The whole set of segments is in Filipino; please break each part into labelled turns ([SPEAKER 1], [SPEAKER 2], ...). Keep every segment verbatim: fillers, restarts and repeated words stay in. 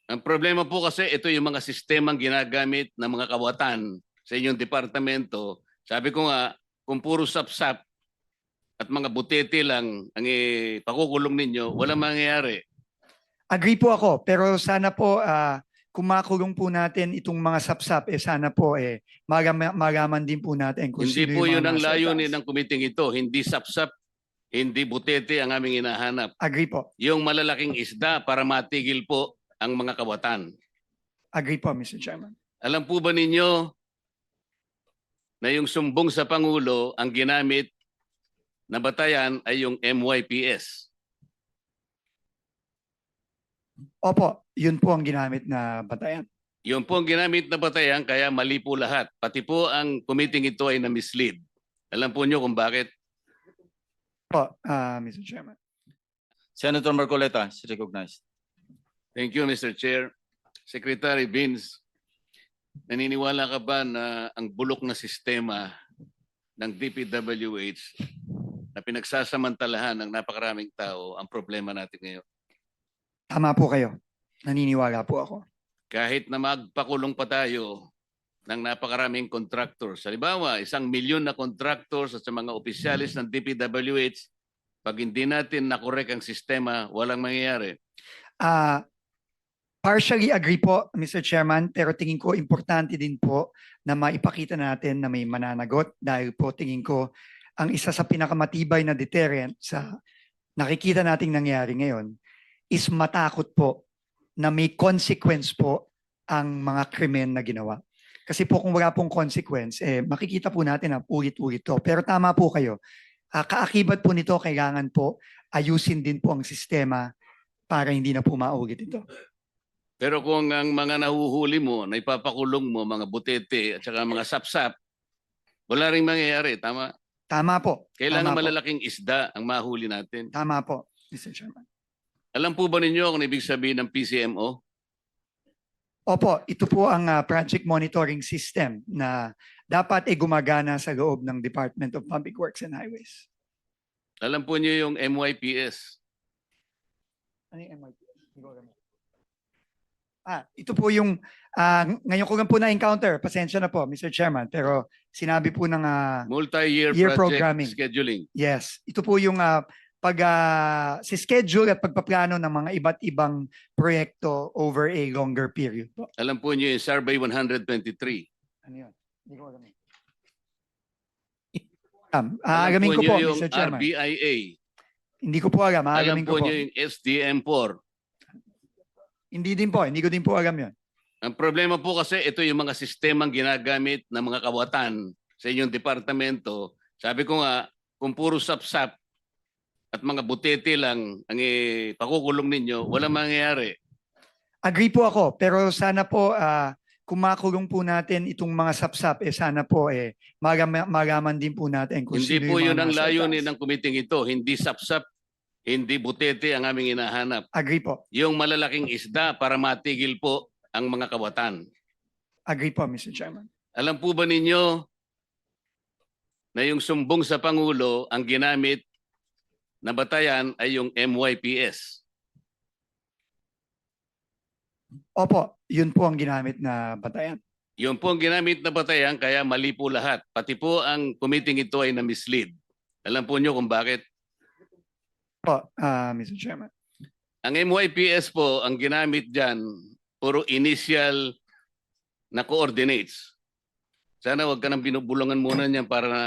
[SPEAKER 1] Ang problema po kasi ito yung mga sistemang ginagamit ng mga kawatan sa inyong departamento. Sabi ko nga, kung puro sapsap at mga butete lang ang ipakukulong ninyo, walang mangyayari.
[SPEAKER 2] Agree po ako, pero sana po ah, kung makulong po natin itong mga sapsap, eh sana po eh magama- magaman din po natin kung
[SPEAKER 1] Hindi
[SPEAKER 2] sino
[SPEAKER 1] po
[SPEAKER 2] yung
[SPEAKER 1] yun
[SPEAKER 2] mga
[SPEAKER 1] ang
[SPEAKER 2] nasa
[SPEAKER 1] layunin
[SPEAKER 2] itaas.
[SPEAKER 1] ng kumiting ito. Hindi sapsap, hindi butete ang aming hinahanap.
[SPEAKER 2] Agree po.
[SPEAKER 1] Yung malalaking isda para matigil po ang mga kawatan.
[SPEAKER 2] Agree po, Mister Chairman.
[SPEAKER 1] Alam po ba ninyo na yung sumbong sa Pangulo ang ginamit na batayan ay yung M Y P S?
[SPEAKER 2] Opo, yun po ang ginamit na batayan.
[SPEAKER 1] Yun po ang ginamit na batayan kaya mali po lahat. Pati po ang committee ito ay na-mislead. Alam po nyo kung bakit?
[SPEAKER 2] Po, ah, Mister Chairman.
[SPEAKER 3] Senator Marcoleta is recognized.
[SPEAKER 1] Thank you, Mister Chair. Secretary Vince, naniniwala ka ba na ang bulok na sistema ng D P W H na pinagsasamantalahan ng napakaraming tao ang problema natin ngayon?
[SPEAKER 2] Tama po kayo. Naniniwala po ako.
[SPEAKER 1] Kahit na magpakulong pa tayo ng napakaraming contractors. Halimbawa, isang milyon na contractors at sa mga opisyalis ng D P W H, pag hindi natin nakorek ang sistema, walang mangyayari.
[SPEAKER 2] Ah, partially agree po, Mister Chairman, pero tingin ko importante din po na maipakita natin na may mananagot dahil po tingin ko ang isa sa pinakamatibay na deterrent sa nakikita nating nangyari ngayon is matakot po na may consequence po ang mga krimen na ginawa. Kasi po kung wala pong consequence, eh, makikita po natin na ulit-ulit to. Pero tama po kayo. Uh, kaakibat po nito, kailangan po ayusin din po ang sistema para hindi na po maulit ito.
[SPEAKER 1] Pero kung ang mga nahuhuli mo, na ipapakulong mo, mga butete at saka mga sapsap, wala rin mangyayari. Tama?
[SPEAKER 2] Tama po.
[SPEAKER 1] Kailangan
[SPEAKER 2] Tama
[SPEAKER 1] malalaking po. Isda ang mahuli natin.
[SPEAKER 2] Tama po, Mister Chairman.
[SPEAKER 1] Alam po ba ninyo kung ibig sabihin ng P C M O?
[SPEAKER 2] Opo, ito po ang uh, project monitoring system na dapat ay gumagana sa loob ng Department of Public Works and Highways.
[SPEAKER 1] Alam po niyo yung M Y P S?
[SPEAKER 2] Ano yung M Y P S? Ah, ito po yung, uh, ngayon ko lang po na-encounter, pasensya na po, Mister Chairman, pero sinabi po ng uh,
[SPEAKER 1] multi-year
[SPEAKER 2] year
[SPEAKER 1] project
[SPEAKER 2] programming.
[SPEAKER 1] Scheduling.
[SPEAKER 2] Yes, ito po yung uh, pag uh, si schedule at pagpaplano ng mga iba't ibang proyekto over a longer period po.
[SPEAKER 1] Alam po niyo yung Survey one twenty-three.
[SPEAKER 2] Ano yun? Hindi ko alam. Um, aalamin ko po,
[SPEAKER 1] yung
[SPEAKER 2] Mister Chairman.
[SPEAKER 1] R B I A.
[SPEAKER 2] Hindi ko po alam.
[SPEAKER 1] Alam
[SPEAKER 2] Aalamin
[SPEAKER 1] po
[SPEAKER 2] ko po.
[SPEAKER 1] niyo yung S D M four.
[SPEAKER 2] Hindi din po. Hindi ko din po alam yun.
[SPEAKER 1] Ang problema po kasi ito yung mga sistemang ginagamit ng mga kawatan sa inyong departamento. Sabi ko nga, kung puro sapsap at mga butete lang ang ipakukulong ninyo, walang mangyayari.
[SPEAKER 2] Agree po ako. Pero sana po, uh, kung makulong po natin itong mga sapsap, eh sana po eh magam- magaman din po natin kung
[SPEAKER 1] Hindi
[SPEAKER 2] sino
[SPEAKER 1] po
[SPEAKER 2] yung
[SPEAKER 1] yun
[SPEAKER 2] mga
[SPEAKER 1] ang
[SPEAKER 2] nasa
[SPEAKER 1] layunin
[SPEAKER 2] itaas.
[SPEAKER 1] ng kumiting ito. Hindi sapsap, hindi butete ang aming hinahanap.
[SPEAKER 2] Agree po.
[SPEAKER 1] Yung malalaking isda para matigil po ang mga kawatan.
[SPEAKER 2] Agree po, Mister Chairman.
[SPEAKER 1] Alam po ba ninyo na yung sumbong sa Pangulo ang ginamit na batayan ay yung M Y P S?
[SPEAKER 2] Opo, yun po ang ginamit na batayan.
[SPEAKER 1] Yun po ang ginamit na batayan kaya mali po lahat. Pati po ang committee ito ay na-mislead. Alam po nyo kung bakit?
[SPEAKER 2] Po, uh, Mister Chairman.
[SPEAKER 1] Ang M Y P S po, ang ginamit dyan, puro initial na coordinates. Sana wag ka nang binubulungan muna niyan para na...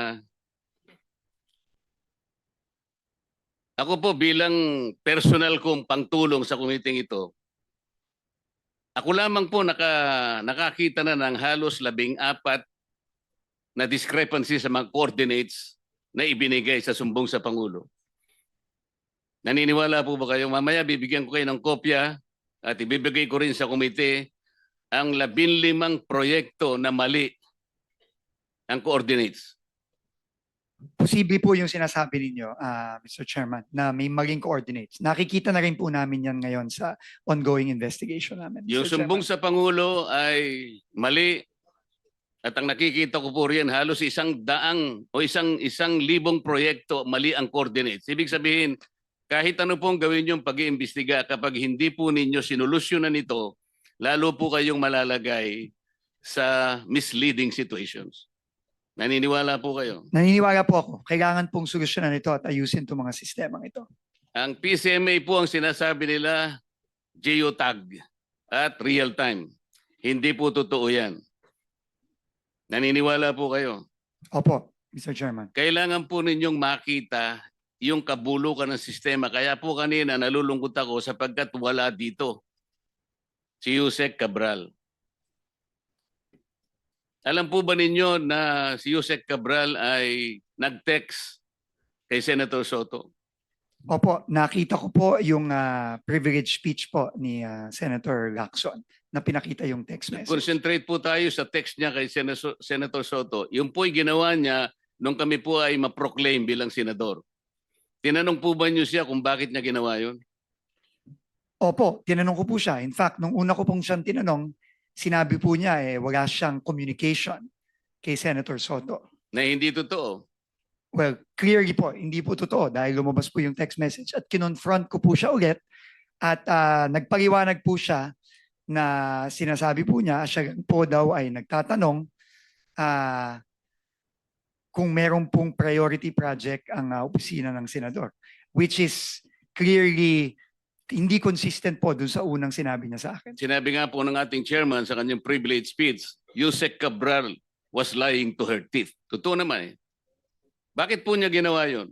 [SPEAKER 1] Ako po bilang personal kong pangtulong sa committee ito, ako lamang po naka, nakakita na ng halos labing apat na discrepancy sa mga coordinates na ibinigay sa sumbong sa Pangulo. Naniniwala po ba kayo? Mamaya bibigyan ko kayo ng kopya at ibibigay ko rin sa komite ang labinlimang proyekto na mali ang coordinates.
[SPEAKER 2] Posible po yung sinasabi ninyo, uh, Mister Chairman, na may maling coordinates. Nakikita na rin po namin yan ngayon sa ongoing investigation namin.
[SPEAKER 1] Yung
[SPEAKER 2] Mister
[SPEAKER 1] sumbong
[SPEAKER 2] Chairman.
[SPEAKER 1] sa Pangulo ay mali at ang nakikita ko po riyan halos isang daang o isang isang libong proyekto mali ang coordinates. Ibig sabihin, kahit ano pong gawin yung pag-iimbestiga, kapag hindi po ninyo sinolusyonan ito lalo po kayong malalagay sa misleading situations. Naniniwala po kayo?
[SPEAKER 2] Naniniwala po ako, kailangan pong solusyonan ito at ayusin itong mga sistemang ito.
[SPEAKER 1] Ang P C M A po ang sinasabi nila geotag at real time. Hindi po totoo yan. Naniniwala po kayo?
[SPEAKER 2] Opo, Mister Chairman.
[SPEAKER 1] Kailangan po ninyong makita yung kabulukan ng sistema. Kaya po kanina nalulungkot ako sapagkat wala dito si Yusek Cabral. Alam po ba ninyo na si Yusek Cabral ay nag-text kay Senator Soto?
[SPEAKER 2] Opo, nakita ko po yung ah, privilege speech po ni ah, Senator Lacson na pinakita yung text message.
[SPEAKER 1] Concentrate po tayo sa text niya kay Senator, Senator Soto. Yung po'y ginawa niya nung kami po ay ma-proclaim bilang senador. Tinanong po ba niyo siya kung bakit niya ginawa yun?
[SPEAKER 2] Opo, tinanong ko po siya. In fact, nung una ko pong siyang tinanong, sinabi po niya eh wala siyang communication kay Senator Soto.
[SPEAKER 1] Na hindi totoo.
[SPEAKER 2] Well, clearly po, hindi po totoo dahil lumabas po yung text message at kinonfront ko po siya ulit at ah, nagpaliwanag po siya na sinasabi po niya, siya po daw ay nagtatanong ah, kung meron pong priority project ang ah, opisina ng senador, which is clearly hindi consistent po dun sa unang sinabi niya sa akin.
[SPEAKER 1] Sinabi nga po ng ating chairman sa kanyang privilege speech, Yusek Cabral was lying to her teeth. Totoo naman eh. Bakit po niya ginawa yun?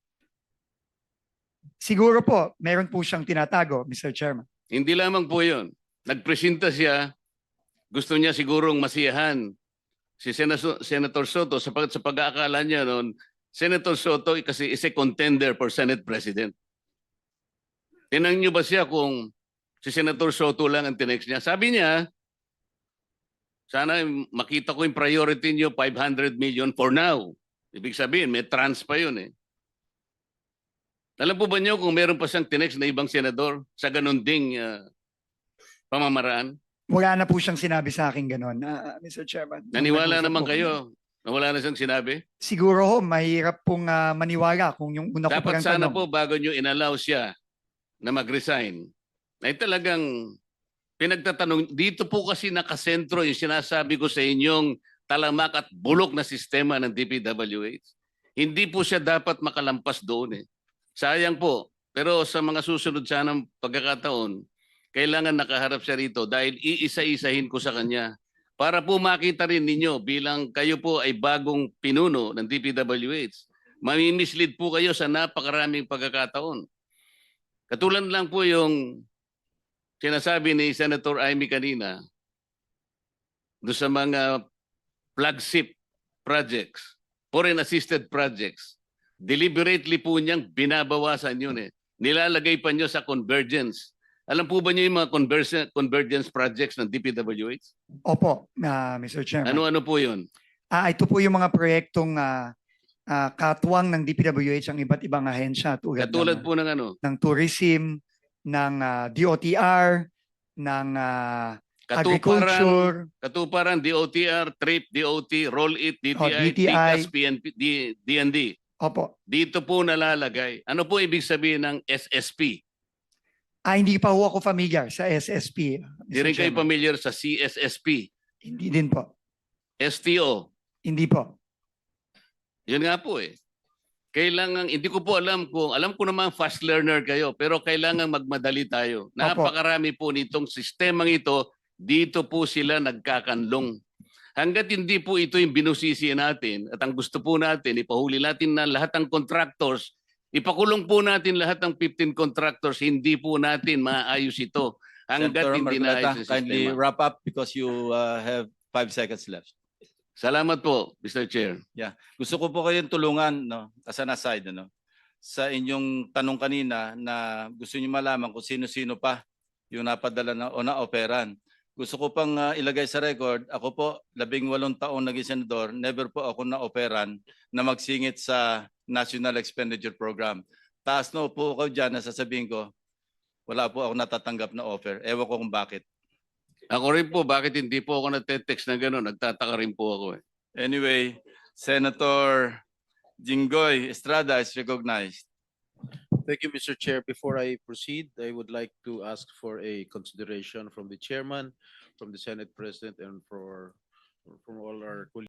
[SPEAKER 2] Siguro po, meron po siyang tinatago, Mister Chairman.
[SPEAKER 1] Hindi lamang po yun. Nagpresenta siya, gusto niya sigurong masiyahan si Senator, Senator Soto sapagkat sa pag-aakala niya noon, Senator Soto kasi is a contender for Senate President. Tinanong niyo ba siya kung si Senator Soto lang ang tinext niya? Sabi niya, sana makita ko yung priority niyo, five hundred million for now. Ibig sabihin, may trans pa yun eh. Alam po ba niyo kung meron pa siyang tinext na ibang senador sa ganun ding uh, pamamaraan?
[SPEAKER 2] Wala na po siyang sinabi sa akin ganun, ah, Mister Chairman.
[SPEAKER 1] Naniwala
[SPEAKER 2] Nag-usap
[SPEAKER 1] naman
[SPEAKER 2] po
[SPEAKER 1] kayo na wala na siyang sinabi?
[SPEAKER 2] Siguro ho, mahirap pong ah, maniwala kung yung una ko
[SPEAKER 1] Dapat
[SPEAKER 2] parang
[SPEAKER 1] sana
[SPEAKER 2] tanong.
[SPEAKER 1] po bago niyo inallow siya na mag-resign, ay talagang pinagtatanong, dito po kasi nakasentro yung sinasabi ko sa inyong talamak at bulok na sistema ng D P W H. Hindi po siya dapat makalampas doon eh. Sayang po. Pero sa mga susunod sanang pagkakataon, kailangan nakaharap siya rito dahil iisa-isahin ko sa kanya para po makita rin ninyo bilang kayo po ay bagong pinuno ng D P W H. Mamimislead po kayo sa napakaraming pagkakataon. Katulad lang po yung sinasabi ni Senator Amy kanina do sa mga flagship projects, foreign assisted projects, deliberately po niyang binabawasan yun eh. Nilalagay pa niyo sa convergence. Alam po ba niyo yung mga convergence, convergence projects ng D P W H?
[SPEAKER 2] Opo, ah, Mister Chairman.
[SPEAKER 1] Ano-ano po yun?
[SPEAKER 2] Ah, ito po yung mga proyektong ah, ah, katuwang ng D P W H ang iba't ibang ahensya tulad,
[SPEAKER 1] Katulad
[SPEAKER 2] ng,
[SPEAKER 1] po ng ano?
[SPEAKER 2] ng tourism, ng ah, D O T R, ng ah,
[SPEAKER 1] Katuparan,
[SPEAKER 2] agriculture,
[SPEAKER 1] katuparan, D O T R, TRIP, D O T, Roll It, D T I,
[SPEAKER 2] Oh, D T I.
[SPEAKER 1] TICAS, P N P, D- DND.
[SPEAKER 2] opo.
[SPEAKER 1] Dito po nalalagay. Ano po ibig sabihin ng S S P?
[SPEAKER 2] Ah, hindi pa ho ako familiar sa S S P.
[SPEAKER 1] Di rin kayo familiar sa C S S P,
[SPEAKER 2] Hindi din po.
[SPEAKER 1] S T O.
[SPEAKER 2] Hindi po.
[SPEAKER 1] Yun nga po eh. Kailangan, hindi ko po alam kung, alam ko naman fast learner kayo, pero kailangan magmadali tayo. Napakarami po nitong sistemang ito, dito po sila nagkakanlong. Hanggat hindi po ito yung binusisi natin at ang gusto po natin, ipahuli natin na lahat ng contractors, ipakulong po natin lahat ng fifteen contractors, hindi po natin maayos ito. Hanggat
[SPEAKER 3] Senator
[SPEAKER 1] hindi
[SPEAKER 3] Marcoleta,
[SPEAKER 1] naayos ang
[SPEAKER 3] kindly
[SPEAKER 1] sistema.
[SPEAKER 3] wrap up because you uh, have five seconds left.
[SPEAKER 1] Salamat po, Mister Chair.
[SPEAKER 3] Gusto ko po kayong tulungan, no, as an aside, no, sa inyong tanong kanina na gusto niyo malaman kung sino-sino pa yung napadala na o na-operan. Gusto ko pang uh, ilagay sa record, ako po, labing walong taon naging senador, never po ako na-operan na magsingit sa National Expenditure Program. Taas na po ako dyan na sasabihin ko, wala po ako natatanggap na offer. Ewan ko kung bakit.
[SPEAKER 1] Ako rin po, bakit hindi po ako nagte-text na gano'n? Nagtataka rin po ako eh.
[SPEAKER 3] Anyway, Senator Jinggoy Estrada is recognized.
[SPEAKER 4] Thank you, Mister Chair. Before I proceed, I would like to ask for a consideration from the chairman, from the Senate President, and for from all our colleagues